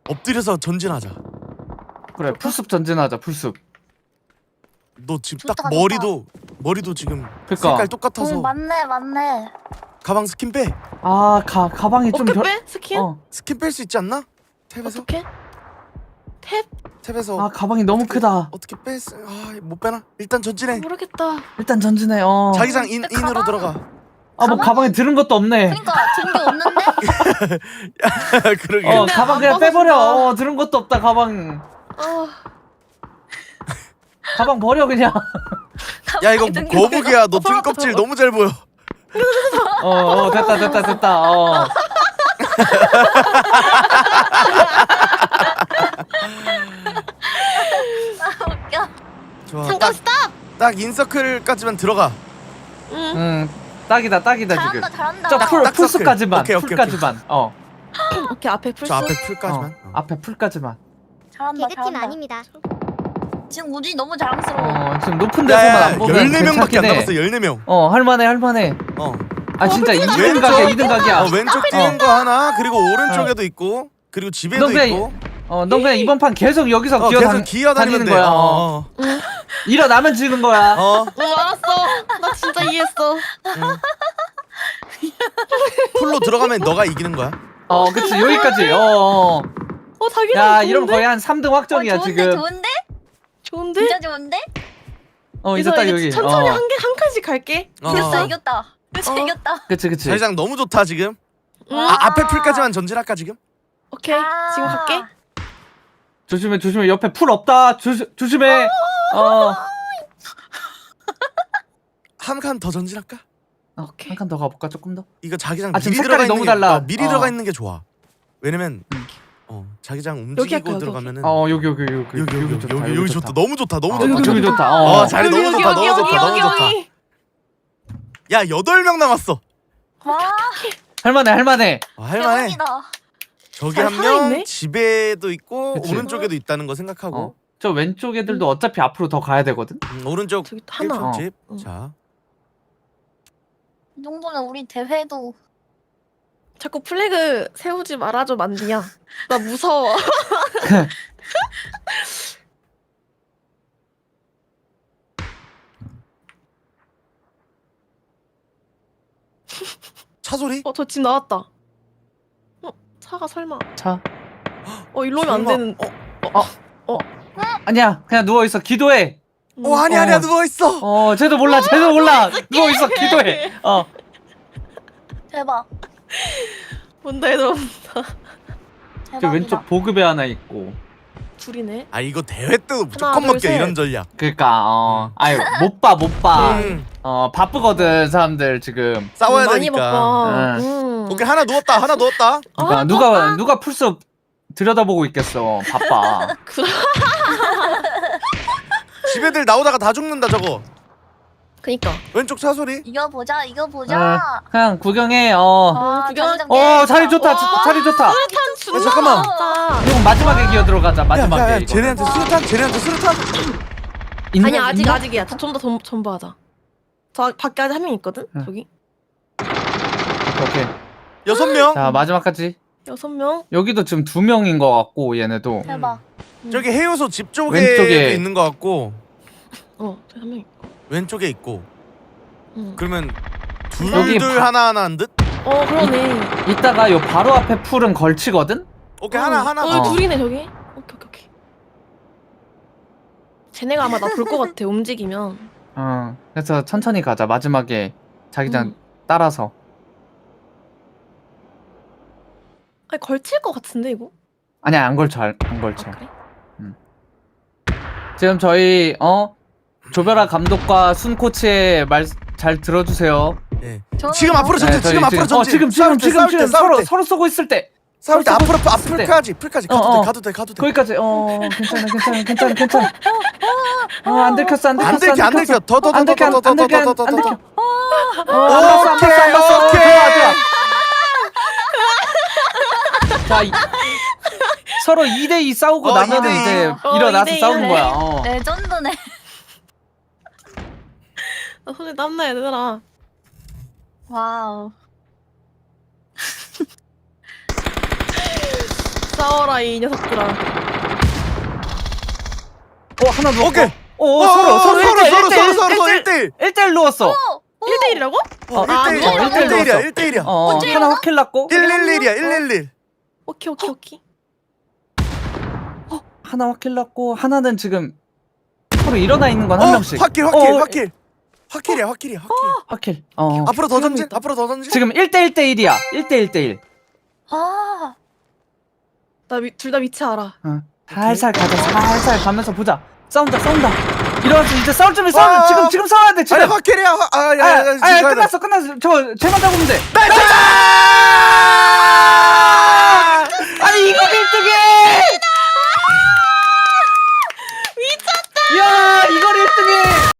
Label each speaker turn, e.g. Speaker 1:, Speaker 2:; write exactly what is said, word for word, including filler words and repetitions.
Speaker 1: 엎드려서 전진하자.
Speaker 2: 그래 풀숲 전진하자 풀숲.
Speaker 1: 너 지금
Speaker 3: 좋다,
Speaker 1: 딱
Speaker 3: 좋다.
Speaker 1: 머리도 머리도 지금
Speaker 2: 그니까.
Speaker 1: 색깔 똑같아서
Speaker 3: 응 맞네 맞네.
Speaker 1: 가방 스킨 빼.
Speaker 2: 아 가, 가방이 좀
Speaker 4: 어떻게
Speaker 2: 별...
Speaker 4: 빼? 스킨?
Speaker 2: 어.
Speaker 1: 스킨 뺄 수 있지 않나? 탭에서?
Speaker 4: 어떻게? 탭?
Speaker 1: 탭에서
Speaker 2: 아 가방이 너무 크다.
Speaker 1: 어떻게 뺄 수... 아못 빼나? 일단 전진해.
Speaker 4: 모르겠다.
Speaker 2: 일단 전진해. 어.
Speaker 1: 자기장 인,
Speaker 3: 근데
Speaker 1: 인으로
Speaker 3: 가방-
Speaker 1: 들어가.
Speaker 2: 아 뭐 가방에 들은 것도 없네.
Speaker 3: 그러니까 든 게 없는데?
Speaker 1: 그러게.
Speaker 2: 어
Speaker 4: 근데
Speaker 2: 가방
Speaker 4: 안
Speaker 2: 그냥 빼버려.
Speaker 4: 벗어진다.
Speaker 2: 어 들은 것도 없다 가방.
Speaker 4: 아,
Speaker 2: 가방 버려 그냥.
Speaker 1: 야 이거
Speaker 3: 든 게 없어.
Speaker 1: 거북이야. 너 등
Speaker 4: 벗어났다,
Speaker 1: 껍질
Speaker 4: 벗어.
Speaker 1: 너무 잘 보여.
Speaker 2: 어, 어 됐다 됐다 됐다. 어.
Speaker 3: 웃겨.
Speaker 1: 좋아.
Speaker 4: 잠깐
Speaker 1: 딱,
Speaker 4: 스탑.
Speaker 1: 딱 인서클까지만 들어가.
Speaker 4: 응.
Speaker 2: 응 딱이다 딱이다 지금.
Speaker 3: 잘한다 잘한다.
Speaker 2: 저 풀,
Speaker 1: 딱
Speaker 2: 풀숲까지만
Speaker 1: 오케이, 오케이,
Speaker 2: 풀까지만. 어.
Speaker 4: 오케이 앞에 풀스.
Speaker 1: 저 앞에
Speaker 2: 어.
Speaker 1: 풀까지만. 어.
Speaker 2: 앞에 풀까지만.
Speaker 3: 잘한다
Speaker 5: 개그팀
Speaker 3: 잘한다.
Speaker 5: 아닙니다.
Speaker 3: 지금 우진이 너무 자랑스러워.
Speaker 2: 어 지금 높은 데서만
Speaker 1: 야,
Speaker 2: 안 보면
Speaker 1: 열네 명밖에
Speaker 2: 괜찮긴
Speaker 1: 안
Speaker 2: 해.
Speaker 1: 남았어. 열네 명.
Speaker 2: 어 할만해 할만해.
Speaker 1: 어.
Speaker 2: 아 진짜 이 등
Speaker 1: 왼쪽.
Speaker 2: 각이야 이 등 각이야.
Speaker 1: 어, 왼쪽 뛰는 거 하나, 그리고 오른쪽에도 있고, 그리고 집에도
Speaker 2: 너 그냥
Speaker 1: 있고.
Speaker 2: 어, 넌 그냥 이번 판 계속 여기서
Speaker 1: 어,
Speaker 2: 기어다니,
Speaker 1: 계속 기어다니면
Speaker 2: 다니는
Speaker 1: 돼.
Speaker 2: 거야.
Speaker 1: 어. 어.
Speaker 2: 일어나면 지는 거야.
Speaker 1: 어.
Speaker 4: 응 알았어. 나 진짜 이해했어.
Speaker 1: 풀로 들어가면 너가 이기는 거야.
Speaker 2: 어, 그치 여기까지. 어, 어.
Speaker 4: 어 자기랑
Speaker 2: 야,
Speaker 4: 좋은데?
Speaker 2: 이러면 거의 한 삼 등 확정이야
Speaker 3: 어, 좋은데
Speaker 2: 지금.
Speaker 3: 좋은데?
Speaker 4: 좋은데?
Speaker 3: 진짜 좋은데?
Speaker 2: 어, 이제
Speaker 4: 그래서
Speaker 2: 딱
Speaker 4: 이제
Speaker 2: 여기.
Speaker 4: 천천히
Speaker 2: 어.
Speaker 4: 한 개 한 칸씩 갈게.
Speaker 1: 어.
Speaker 3: 이겼다 이겼다.
Speaker 4: 어.
Speaker 3: 이겼다.
Speaker 2: 그치 그치.
Speaker 1: 자기장 너무 좋다 지금.
Speaker 4: 응.
Speaker 1: 아, 앞에 풀까지만 전진할까 지금?
Speaker 4: 오케이 지금 갈게.
Speaker 2: 조심해 조심해 옆에 풀 없다. 조심 조심해. 어.
Speaker 1: 한 칸 더 전진할까?
Speaker 4: 오케이.
Speaker 2: 한 칸 더 가볼까 조금 더.
Speaker 1: 이거 자기장
Speaker 2: 아, 지금
Speaker 1: 미리
Speaker 2: 색깔이
Speaker 1: 들어가
Speaker 2: 너무
Speaker 1: 있는 게,
Speaker 2: 달라.
Speaker 1: 어, 미리
Speaker 2: 어.
Speaker 1: 들어가 있는 게 좋아. 왜냐면
Speaker 2: 음.
Speaker 1: 어 자기장
Speaker 4: 여기
Speaker 1: 움직이고
Speaker 4: 할까, 여기?
Speaker 1: 들어가면
Speaker 2: 어 여기 여기 여기
Speaker 1: 여기 여기 여기
Speaker 2: 좋다,
Speaker 1: 여기 여기 좋다. 너무 좋다. 너무
Speaker 2: 어,
Speaker 1: 좋다.
Speaker 2: 여기 좋다. 어.
Speaker 1: 어, 자리 너무
Speaker 4: 여기,
Speaker 1: 좋다.
Speaker 4: 여기,
Speaker 1: 너무
Speaker 4: 여기,
Speaker 1: 좋다. 너무
Speaker 4: 여기,
Speaker 1: 좋다.
Speaker 4: 여기.
Speaker 1: 야 여덟 명 남았어.
Speaker 3: 와
Speaker 2: 할만해 할만해.
Speaker 1: 어, 할만해.
Speaker 3: 대박이다.
Speaker 1: 저기
Speaker 4: 잘
Speaker 1: 한 명
Speaker 4: 살아있네?
Speaker 1: 집에도 있고
Speaker 2: 그치.
Speaker 1: 오른쪽에도 있다는 거 생각하고
Speaker 2: 어. 저 왼쪽 애들도 어차피 앞으로 더 가야 되거든.
Speaker 1: 음, 오른쪽
Speaker 4: 저기 하나.
Speaker 1: 일쪽 집.
Speaker 4: 어.
Speaker 1: 자
Speaker 3: 이 정도면 우리 대회도
Speaker 4: 자꾸 플래그 세우지 말아줘 만디야. 나 무서워.
Speaker 1: 차 소리?
Speaker 4: 어 저 집 나왔다. 어 차가 설마.
Speaker 2: 자.
Speaker 4: 어 일로 오면 안
Speaker 1: 설마.
Speaker 4: 되는.
Speaker 1: 어,
Speaker 2: 아니야 그냥 누워 있어 기도해.
Speaker 4: 음.
Speaker 1: 어 아니 아니야
Speaker 2: 어.
Speaker 1: 누워 있어.
Speaker 2: 어 쟤도 몰라 쟤도 몰라. 누워 있어 기도해. 어.
Speaker 3: 대박.
Speaker 4: 뭔다 얘들아.
Speaker 2: 저
Speaker 3: 대박이다.
Speaker 2: 왼쪽 보급에 하나 있고.
Speaker 4: 둘이네.
Speaker 1: 아 이거 대회 때도 무조건
Speaker 4: 둘,
Speaker 1: 먹게
Speaker 4: 셋.
Speaker 1: 이런 전략.
Speaker 2: 그니까 어 아유 못 봐 못 봐.
Speaker 1: 음.
Speaker 2: 어 바쁘거든 사람들 지금.
Speaker 1: 싸워야
Speaker 4: 많이
Speaker 1: 되니까.
Speaker 4: 바빠.
Speaker 2: 응.
Speaker 4: 음.
Speaker 1: 오케이 하나 누웠다. 하나 누웠다.
Speaker 2: 누가
Speaker 4: 아,
Speaker 2: 누가 누가 풀숲 들여다보고 있겠어. 바빠.
Speaker 4: 그래.
Speaker 1: 집 애들 나오다가 다 죽는다 저거.
Speaker 4: 그니까.
Speaker 1: 왼쪽 차 소리.
Speaker 3: 이거 보자 이거
Speaker 2: 어,
Speaker 3: 보자.
Speaker 2: 그냥 구경해. 어.
Speaker 3: 아,
Speaker 4: 음, 구경-
Speaker 3: 자기장
Speaker 2: 어 자리 좋다.
Speaker 3: 와.
Speaker 2: 자, 자리 좋다.
Speaker 4: 수류탄 준다.
Speaker 1: 야, 잠깐만.
Speaker 4: 진짜.
Speaker 2: 이거 마지막에 기어 들어가자. 마지막에
Speaker 1: 야야야
Speaker 2: 이거.
Speaker 1: 쟤네한테 수류탄 쟤네한테 수류탄.
Speaker 2: 있는-
Speaker 4: 아니 아직
Speaker 2: 있나?
Speaker 4: 아직이야. 좀더 전부하자. 저 밖에 아직 한 명 있거든.
Speaker 2: 응.
Speaker 4: 저기
Speaker 2: 오케이. 오케이.
Speaker 1: 여섯 명.
Speaker 2: 자 마지막까지.
Speaker 4: 여섯 명.
Speaker 2: 여기도 지금 두 명인 것 같고 얘네도.
Speaker 3: 대박.
Speaker 1: 저기 해요소 집 쪽에
Speaker 2: 왼쪽에.
Speaker 1: 있는 거 같고
Speaker 4: 어 저기 한 명. 있고.
Speaker 1: 왼쪽에 있고.
Speaker 4: 응.
Speaker 1: 그러면
Speaker 2: 여기
Speaker 1: 둘둘
Speaker 2: 바-
Speaker 1: 하나 하나인 듯?
Speaker 4: 어 그러네.
Speaker 2: 이따가 요 바로 앞에 풀은 걸치거든.
Speaker 1: 오케이
Speaker 4: 어,
Speaker 1: 하나 하나.
Speaker 4: 어,
Speaker 2: 어.
Speaker 4: 둘이네 저기. 오케이 오케이 오케이. 쟤네가 아마 나 볼 것 같아. 움직이면.
Speaker 2: 어. 그래서 천천히 가자. 마지막에 자기장
Speaker 4: 음.
Speaker 2: 따라서.
Speaker 4: 아니 걸칠 것 같은데 이거?
Speaker 2: 아니야 안 걸쳐 안 안 걸쳐.
Speaker 4: 아 그래?
Speaker 2: 지금 저희 어 조별아 감독과 순 코치의 말 잘 들어주세요.
Speaker 1: 예.
Speaker 3: 저는
Speaker 1: 지금 앞으로 전진.
Speaker 2: 저희
Speaker 1: 지금 앞으로 전진.
Speaker 2: 어 지금
Speaker 1: 싸울
Speaker 2: 지금
Speaker 1: 때,
Speaker 2: 지금
Speaker 1: 싸울 때,
Speaker 2: 지금
Speaker 1: 싸울
Speaker 2: 서로
Speaker 1: 때.
Speaker 2: 서로 쏘고 있을 때
Speaker 1: 싸울 때
Speaker 2: 서로
Speaker 1: 앞으로
Speaker 2: 쏘고 있을 때.
Speaker 1: 앞으로까지 풀까지 가도
Speaker 2: 어,
Speaker 1: 돼
Speaker 2: 어.
Speaker 1: 가도 돼 가도 돼.
Speaker 2: 거기까지 어 괜찮아 괜찮아 괜찮아 괜찮아 어안 들켰어 안 들켰어
Speaker 1: 안 들켜 안 들켜. 더 더 더
Speaker 2: 안
Speaker 1: 더
Speaker 2: 들켜 안
Speaker 1: 더 더 더
Speaker 2: 들켜
Speaker 1: 더 더
Speaker 2: 안
Speaker 1: 더
Speaker 2: 들켜
Speaker 1: 더.
Speaker 2: 어안 봤어 안 봤어 안 봤어
Speaker 1: 오케이,
Speaker 2: 좋아
Speaker 1: 오케이.
Speaker 2: 좋아 자 이, 서로 이 대 이 싸우고
Speaker 1: 어,
Speaker 2: 나면
Speaker 1: 이 대 이.
Speaker 2: 이제
Speaker 4: 어,
Speaker 2: 일어나서
Speaker 4: 이 대 이
Speaker 2: 싸우는
Speaker 4: 하네.
Speaker 2: 거야 어.
Speaker 3: 레전드네.
Speaker 4: 나 손에 땀나 얘들아.
Speaker 3: 와우.
Speaker 4: 싸워라 이 녀석들아.
Speaker 2: 어 하나 누웠고.
Speaker 1: 오케이.
Speaker 2: 어,
Speaker 1: 어,
Speaker 2: 어 서로
Speaker 1: 어,
Speaker 2: 서로
Speaker 1: 서로,
Speaker 2: 일 대 일,
Speaker 1: 서로,
Speaker 2: 일 대 일,
Speaker 1: 서로, 서로
Speaker 2: 일 대 일.
Speaker 1: 일 대 일.
Speaker 2: 일 대 일 누웠어.
Speaker 3: 어,
Speaker 4: 일 대 일이라고?
Speaker 1: 어,
Speaker 2: 어, 아,
Speaker 1: 일 대 일.
Speaker 2: 어, 일 대 일
Speaker 1: 일 대 일이야.
Speaker 2: 넣었어.
Speaker 1: 일 대 일이야.
Speaker 2: 어
Speaker 3: 언제
Speaker 2: 하나
Speaker 3: 일어나?
Speaker 2: 확킬 났고
Speaker 1: 일일일이야. 일일일.
Speaker 4: 오케이 오케이 오케이.
Speaker 2: 하나 확킬 났고 하나는 지금 서로 일어나 있는 건 한
Speaker 1: 어,
Speaker 2: 명씩.
Speaker 1: 확킬, 확킬,
Speaker 2: 어,
Speaker 1: 확킬. 확킬이야, 확킬이야, 확킬.
Speaker 2: 확킬. 어.
Speaker 1: 앞으로 더 전진. 앞으로 더 전진.
Speaker 2: 지금 일 대 일 대 일이야. 일 대 일 대 일.
Speaker 3: 아,
Speaker 4: 나 둘 다 위치 알아.
Speaker 2: 어. 살살 가자. 살살 가면서 보자. 싸운다. 싸운다. 일어났어. 이제 싸울 준비. 싸우.
Speaker 1: 아,
Speaker 2: 지금 지금 싸워야 돼. 지금.
Speaker 1: 아니, 확킬이야. 화- 아, 야,
Speaker 2: 아,
Speaker 1: 야, 야,
Speaker 2: 아,
Speaker 1: 지금
Speaker 2: 아,
Speaker 1: 가야 돼.
Speaker 2: 끝났어. 끝났어. 저 쟤만 잡으면 돼.
Speaker 1: 나이스!